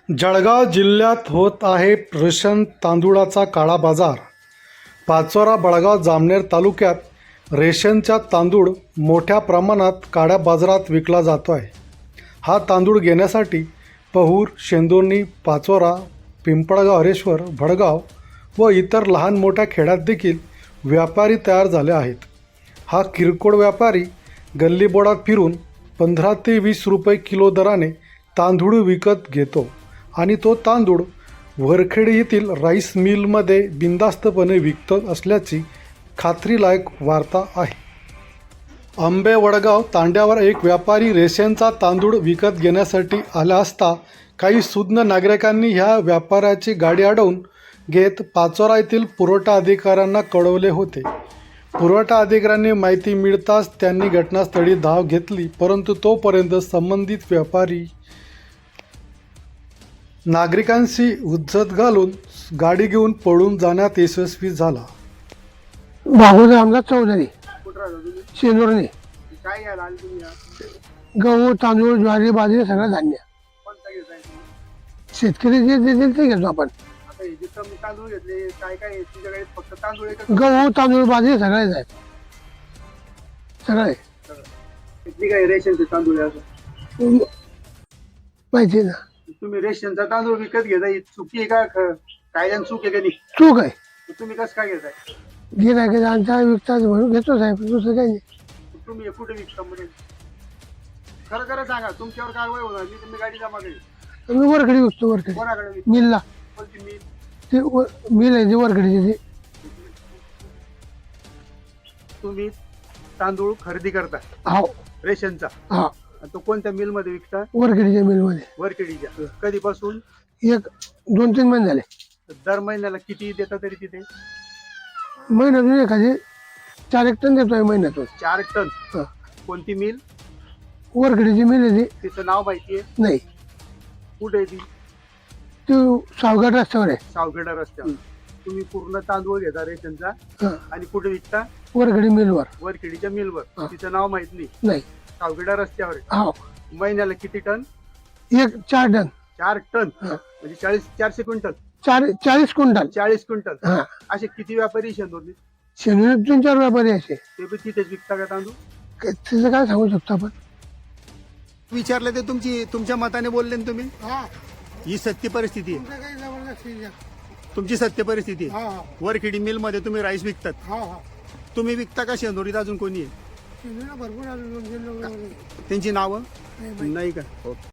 जळगाव जिल्ह्यात होत आहे रेशन तांदूळाचा काळा बाजार। पाचोरा, बळगाव, जामनेर तालुक्यात रेशनचा तांदूळ मोठ्या प्रमाणात काळ्या बाजारात विकला जातो आहे। हा तांदूळ घेण्यासाठी पहूर, शेंदोर्णी, पाचोरा, पिंपळगाव, हरेश्वर, भडगाव व इतर लहान मोठ्या खेड्यात देखील व्यापारी तयार झाले आहेत। हा किरकोळ व्यापारी गल्लीबोळात फिरून 15 ते 20 रुपये किलो दराने तांदूळ विकत घेतो आणि तो तांदूळ वरखेडी येथील राईस मिलमध्ये बिनधास्तपणे विकत असल्याची खात्रीलायक वार्ता आहे। आंबे वडगाव तांड्यावर एक व्यापारी रेशनचा तांदूळ विकत घेण्यासाठी आला असता काही सुज्ञ नागरिकांनी ह्या व्यापाऱ्याची गाडी अडवून घेत पाचोरा येथील पुरवठा अधिकाऱ्यांना कळवले होते। पुरवठा अधिकाऱ्यांनी माहिती मिळताच त्यांनी घटनास्थळी धाव घेतली, परंतु तोपर्यंत संबंधित व्यापारी नागरिकांशी हुज्जत घालून गाडी घेऊन पळून जाण्यात यशस्वी झाला। बाबूराव रामदास चौधरी, शेंदोर्णी। गहू, तांदूळ, ज्वारी, बाजरी सगळं धान्य शेतकरी जे देतील ते घेतो आपण। गहू, तांदूळ, बाजरी सगळेच आहेत, सगळे रेशनचे तांदूळ माहिती आहे ना। तुम्ही रेशनचा तांदूळ विकत घेताय, चुकी आहे का? कायद्याने चूक आहे का नाही? चूक आहे। तुम्ही कसं काय घेताय? गिरायकांचा विकतात म्हणून घेतो साहेब, दुसरं काही नाही। तुम्ही कुठे विकता म्हणजे खरं खरं सांगा, तुमच्यावर कारवाई होणार नाही। तुम्ही गाडी जमा केली मी वरखडी विकतो, वरखडी कोणाकडे विकता? मिलला। कोणती मिल? ते मिल आहे, ती वरखडीची। ती तुम्ही तांदूळ खरेदी करता हो, रेशनचा, हा, आणि तो कोणत्या मिल मध्ये विकता? वरखडीच्या मिलमध्ये। वरखेडीच्या। कधीपासून? 1-2-3 महिने झाले। दर महिन्याला किती देता तरी तिथे? महिन्यातून एखादी 4-1 टन देतोय महिन्यातून। 4 टन? हा। कोणती मिल? वरखडीची मिल आहे ती। तिचं नाव माहिती आहे? नाही, कुठे आहे ती? ती सावघाट रस्त्यावर आहे, सावखेडा रस्त्यावर। तुम्ही पूर्ण तांदूळ घेता रेशनचा हा, आणि कुठे विकता? वरखडी मिलवर। वरखेडीच्या मिलवर। हा। तिचं नाव माहित नाही? नाही। सावखेडा रस्त्यावर आहे। हो, महिन्याला किती टन? 4 टन। 4 टन हा। म्हणजे 400 क्विंटल? 40 क्विंटल। 40 क्विंटल। हा, असे किती व्यापारी शेंदोर्णी? शेंदोर्णीत 3-4 व्यापारी असे। ते बी तिथेच विकता का तांदूळ? त्याचं काय सांगू शकतो आपण? विचारले ते तुमच्या मताने बोलले ना तुम्ही? ही सत्य परिस्थिती आहे, तुमची सत्य परिस्थिती आहे। वरखेडी मिल मध्ये तुम्ही राईस विकतात, तुम्ही विकता का शेंदोरीत अजून कोणी आहे? भरपूर त्यांची नावं नाही का?